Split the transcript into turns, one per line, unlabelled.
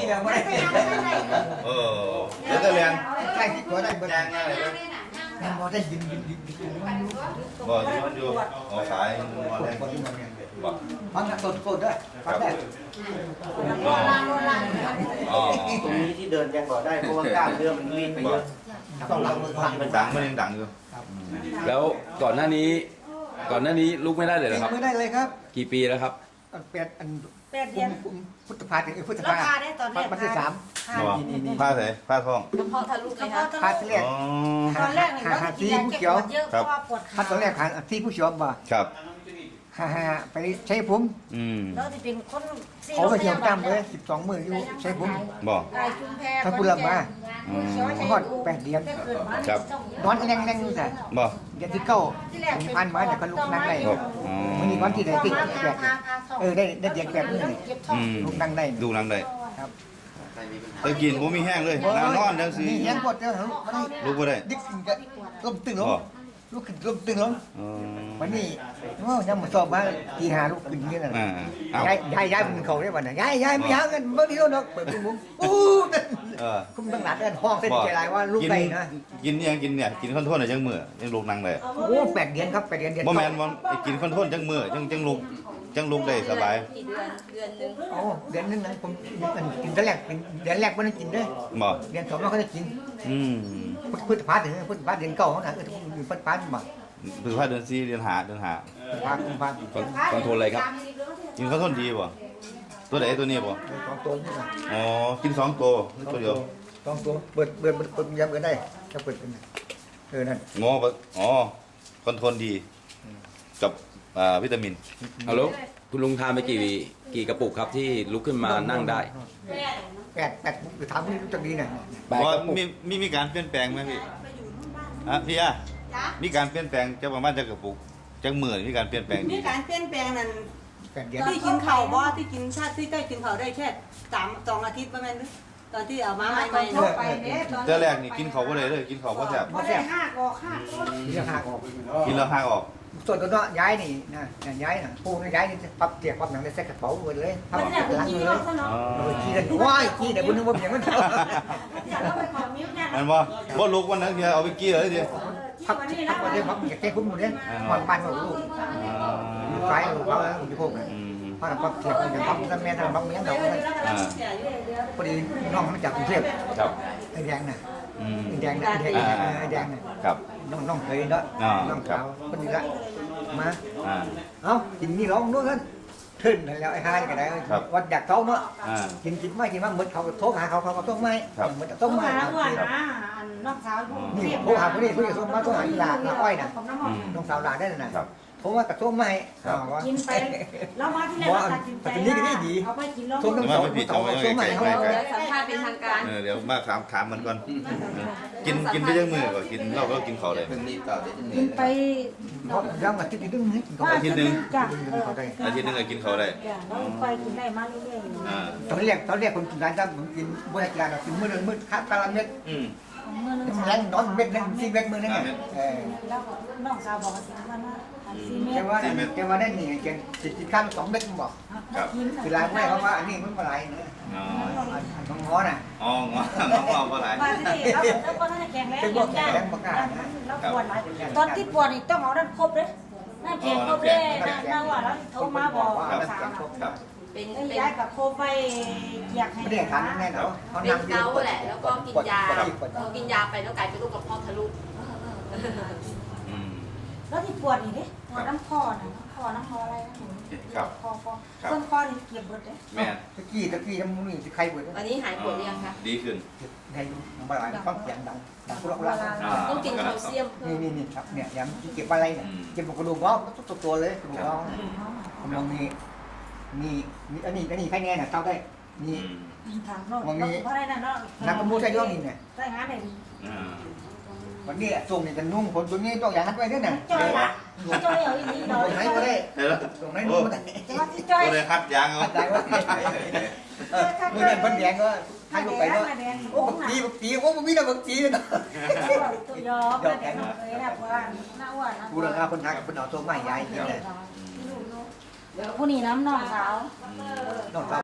ยังไม่ได้
เดี๋ยวจะเรียน
ใกล้ที่ตัวได้เบิด
แจ้งง่ายเลย
ยังพอได้ยิน
บอกที่มันอยู่สายมาได้บอก
ฟังนะต้นโคตรได้ฟังได้
ตรงนี้ที่เดินยังบอกได้เพราะว่ากล้ามเนื้อมันวิ่งไปเยอะต้องรับมือพัน
มันดังมันยังดังอยู่
แล้วก่อนหน้านี้ลุกไม่ได้เลยเหรอครับ
ไม่ได้เลยครับ
กี่ปีแล้วครับ
8 เดือนพุทธภาถึงพุทธภาวันที่3
บอกผ้าใส่ผ้าท้อง
กระเพาะทะลุเลยครับ
พาที่แรก
ตอนแรกเนี่ยเรากินยาแก้ปวดเยอะเพราะว่าปวดขา
พาตอนแรกที่ผู้ชมบ่
ครับ
ไปใช้ผม
แล้วที่เป็นคน
เขาไปเที่ยวตั้มเลย12 มื้ออยู่ใช้ผม
บอก
กายชุมแพ
ถ้าพูดละมาฮอด8 เดือน
ครับ
นอนแรงๆอยู่แต่
บอก
เดือนที่9ผมผ่านมาเนี่ยก็ลุกนั่งได้
บอก
มันมีวันที่ไหนที่8ได้เดือน8มื้อนี่ลุกนั่งได้
ดูนังได้
ครับ
แต่กินผมมีแห้งเลยนางนอนจังสิ
นี่ยังปวดเจ้าลุกไม่ได้
ลุกไม่ได้
ดิกก็ล้มตึงลงลุกขึ้นล้มตึงลงวันนี้ยังมาสอบมาทีหาลูกขึ้นนี่น่ะย้ายมันเขาได้ป่ะน่ะย้ายไม่ย้ายกันเมื่อกี้เราเปิดมุ้งอู้คุ้มตั้งหลายเดือนห้องเส้นใจลายว่าลูกได้นะ
กินยังกินเนี่ยกินข้าวโพดจังมือยังลุกนั่งได้
โอ้8 เดือนครับ8 เดือน
บ่แม่นว่ากินข้าวโพดจังมือจังลุกได้สบาย
กี่เดือนหนึ่ง
โอ้เดือนนึงนะผมกินแต่แรกเดือนแรกไม่ได้กินด้วย
บอก
เดือน2เราก็ได้กิน พุทธภาถึงพุทธภาเดือน9เขาน่ะพุทธภาบ่
ถือว่าเดือน4เดือน5เดือน5
ภาคุมภา
คอนโทรลอะไรครับ
กินข้าวโพดดีบ่ตัวไหนตัวนี้บ่
2 ตัวนี่นะ
อ๋อกิน2ตัวตัวเดียว
2 ตัวเปิดยามกันได้จะเปิดกันนั่น
งออ๋อคอนโทรลดีกับวิตามิน
เอาแล้วคุณลุงทานไปกี่กระปุกครับที่ลุกขึ้นมานั่งได้
8หรือถามนี่รู้จักดีน่ะ
แปด
ว่าก
ระปุก
มีการเปลี่ยนแปลงไหมพี่พี่มีการเปลี่ยนแปลงจะประมาณจะกระปุกจังมือมีการเปลี่ยนแปลงดี
มีการเปลี่ยนแปลงนั้น
8 เดือน
ที่กินข้าวบ่ที่กินชาติที่ได้กินข้าวได้แค่2 อาทิตย์ประมาณนี้ตอนที่เอามาใหม่
เข้าไปเนี่ยตอน
เจ้าแรกนี่กินเขาก็เลยกินเขาก็แซ่บ
พอได้5 ออก
เรื่องหักออก
กินแล้วหักออก
ส่วนตัวเนาะย้ายนี่นะย้ายน่ะปูนี่ย้ายนี่ปั๊บเตียกปั๊บหนังได้ใส่กระเป๋าเลยปั๊บ
มันเนี่ย
หลัง
กิน
เล
รอย บซะเนาะ
ขี้กันว้ายขี้แต่บุญนึกว่าอย่างนั้น
อยากเข้าไปขอมิ้วเนี่ย
อันว่าลุกวันนั้นเอาไปกี้เลยดิ
พักพักวันนี้พักอยากแก้คุ้มหมดเลยความบ้านของลูกไฟลูกเขาอยู่พวกนั้นพอปั๊บเตียกอย่างปั๊บแม่ทำปั๊บเมียเราเลยพอดีน้องมาจากกรุงเทพ
ครับ
ไอ้แดงน่ะไอ้แดงน่ะไอ้แดงน่ะ
ครับ
น้องเคยเนาะน้องสาวคนนี้ละมาเอ้ากินนี่ร้องด้วยกันขึ้นแล้วไอ้hai cái nàyวันอยากท้องเนาะกินไม่กินมาเหมือนเขาโทรหาเขาท้องไม่เหมือนท้องไม่
น้องสาว
นี่โทรหาคนนี้คนนี้โทรมาโทรหาหลานอ้อยน่ะน้องสาวหลานได้น่ะโทรมากับโทรไม่
กินไปแล้วมาที่ไหนเราตัดสินใจเอาไปกินแล้ว
โทรน้องสาวโทรไม่เขา
เดี๋ยวสัมภาษณ์เป็นทางการ
เดี๋ยวมาถามมันก่อนกินไปยังมือก่อนกินเราก็กินเขาเลย
กินไป
เพราะยังอาทิตย์นึงกินเขา
อาทิตย์นึง
จ้ะ
อาทิตย์นึงก็กินเขาได้
แล้วไปกินได้มาเรื่อยๆ
ตอนแรกคนกินร้านจ้าผมกินบุญกินร้านกินมื้อนึงมื้อข้าวตาละเม็ดแรงนอนเม็ดนึง4 เม็ดมื้อนึงไง
แล้วน้องสาวบอกว่าสิมันว่า4 เมตร
แกว่าได้นี่แกกินข้าว2 เม็ดบอกคือร้านแม่เขาว่าอันนี้มันอะไรเนี่ยน้องง้อน่ะ
อ๋องอเท่าไหร่
มาที่นี่แล้วก็น่าจะแข็งแรงแล้วปวดหลายตอนที่ปวดนี่ต้องเอาด้านครบเลยน่าแข็งครบเลยน่าว่าแล้วโทรมาบอกสาวเป็นย้ายกับโคไปอยากให้
ไม่ได้ทานแน่เนาะเขา
เป็น
นั่ง
เกาต์แหละ แล้วก็กินยากินยาไปแล้วกลายเป็นโรคกระเพาะทะลุ
แล้วที่ปวดนี่ดิปวดน้ำคอนะน้ำคออะไรนะคอต้นคอนี่เก็บเบิดเลย
แม่
ตะกี้ยังมีสิใครเบิด
วันนี้หายปวดหรือยังคะ
ดีขึ้น
ในบ่ายฟังเสียงดังกุละกุละ
ต้องกินแคลเซียมเพิ่ม
นี่ครับเนี่ยยังเก็บอะไรเนี่ยเก็บกระดูกงอกตัวเลยกระดูกงอกกำลังมีอันนี้ใครแน่น่ะเต้าได้มี
ถามน้องเพราะอะไรนะน้อง
นักกระมูใช้ย่อนี่เนี่ย
ใช่งานไหน
วันนี้ส่งนี่กันนุ่งคนตัวนี้ต้องอย่างนั้นไว้ด้วยเนี่ย
จอยละจอยเอาอีนี้
ตรงไหนก็ได้ตรงไหนนุ่งก็ได้
แต่ว่าที่จอย
ก็เลยคัดยางเอา
ได้ว่าเมื่อนั้นพันแดงก็ให้ลูกไปก็โอ้บักตีโอ้มันมีแต่บักตีเนาะ
ตัวยอมแดงเลยนะว่าหน้าอ้วนนะ
กูราคาคนทักคนเอาตัวใหม่ใหญ่กินเลย
ผู้นี้น้ำน้องสาว
น้องสาว